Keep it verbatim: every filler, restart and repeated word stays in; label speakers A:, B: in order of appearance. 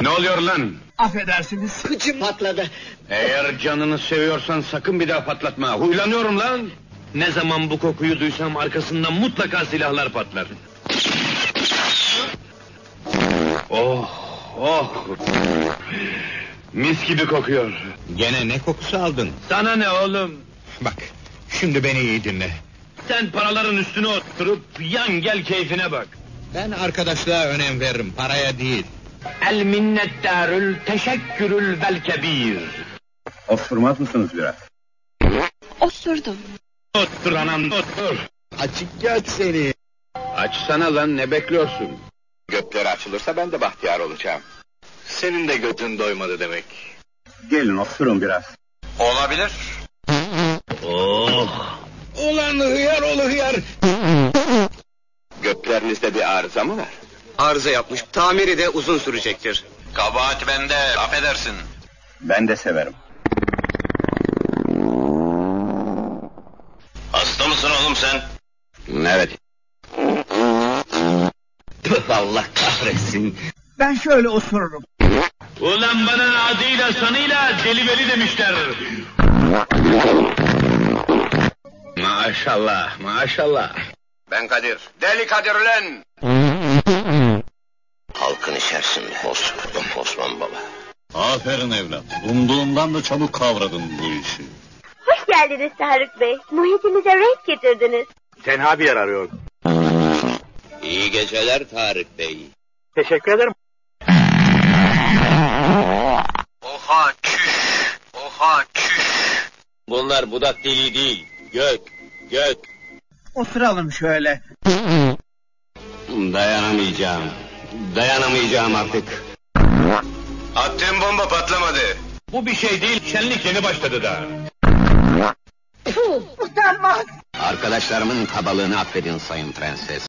A: Ne oluyor lan?
B: Affedersiniz.
C: Kıçım patladı.
A: Eğer canını seviyorsan sakın bir daha patlatma. Huylanıyorum lan. Ne zaman bu kokuyu duysam arkasından mutlaka silahlar patlar. Oh, oh. Mis gibi kokuyor.
D: Gene ne kokusu aldın?
A: Sana ne oğlum?
D: Bak, şimdi beni iyi dinle.
A: Sen paraların üstüne oturup yan gel keyfine bak.
D: Ben arkadaşlığa önem veririm, paraya değil.
A: El minnettarül teşekkürül vel kebir.
E: Osurmaz mısınız biraz?
F: Osurdum.
A: Otur anam otur.
D: Açık göt seni.
A: Açsana lan, ne bekliyorsun?
D: Gökleri açılırsa ben de bahtiyar olacağım. Senin de götün doymadı demek.
E: Gelin osurun biraz.
D: Olabilir.
A: Oh.
D: Ulan hıyar oğlu hıyar. Göklerinizde bir arıza mı var?
C: Arıza yapmış. Tamiri de uzun sürecektir.
D: Kabahat bende, affedersin.
E: Ben de severim.
D: Hasta mısın oğlum sen?
A: Evet.
C: Allah kahretsin.
B: Ben şöyle osururum.
A: Ulan bana adıyla sanıyla deli veli demişler. Maşallah, maşallah.
D: Ben Kadir. Deli Kadir ulan! Halkın içerisinde osurdum Osman Baba.
G: Aferin evlat. Umduğumdan da çabuk kavradın bu işi.
H: Hoş geldiniz Tarık Bey. Muhitimize renk getirdiniz.
A: Tenha bir yer arıyor.
D: İyi geceler Tarık Bey.
B: Teşekkür ederim.
D: Oha çüş! Oha çüş! Bunlar budak deliği değil. Gök, gök.
B: Osuralım şöyle.
D: Dayanamayacağım. Dayanamayacağım artık. Attığım bomba patlamadı.
A: Bu bir şey değil, şenlik yeni başladı da.
B: Utanmaz.
D: Arkadaşlarımın kabalığını affedin sayın prenses.